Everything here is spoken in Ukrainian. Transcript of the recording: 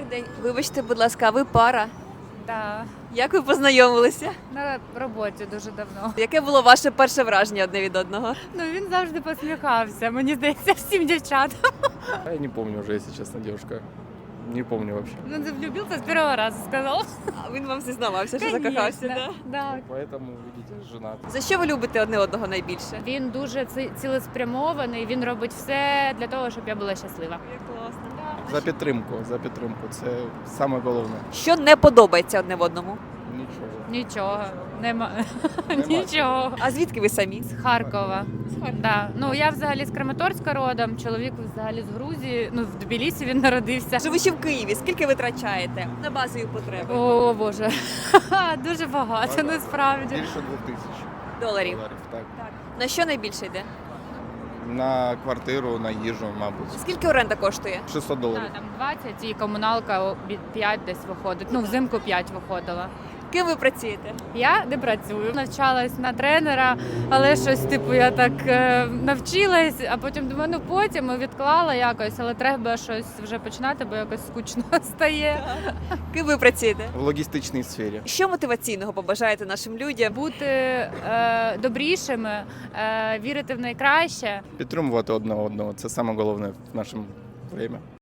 Добрий день. Вибачте, будь ласка, а ви пара? Да, Як ви познайомилися? на роботі дуже давно. Яке було ваше перше враження одне від одного? Ну він завжди посміхався. Мені здається, всім дівчатам. Я не помню уже, если честно, девушка. Не помню вообще. Ну, влюбився з першого разу, сказав. А він вам зізнавався, що закохався, да? Да. Поэтому, видите, женат. За що ви любите одне одного найбільше? Він дуже цілеспрямований, він робить все для того, щоб я була щаслива. Як класно. За підтримку, за підтримку. Це саме головне. Що не подобається одне в одному? Нічого. Нічого, нема. Нема. Нічого. А звідки ви самі? З Харкова. Да. Ну я взагалі з Краматорська родом, чоловік взагалі з Грузії. Ну в Тбілісі він народився. Живучи в Києві, скільки ви витрачаєте на базові потреби? О Боже, дуже багато насправді. Більше 2000 Доларів. Так. На що найбільше йде? На квартиру, на їжу, мабуть. Скільки оренда коштує? 600 доларів. Там 20 і комуналка 5 десь виходить. Ну, взимку 5 виходила. Ким ви працюєте? Я не працюю. Навчалась на тренера, але щось типу я так навчилась, а потім думаю, ну потім відклала якось, але треба щось вже починати, бо якось скучно стає. Ким ви працюєте? В логістичній сфері. Що мотиваційного побажаєте нашим людям? Бути добрішими, вірити в найкраще. Підтримувати одне одного. Це саме головне в нашому время.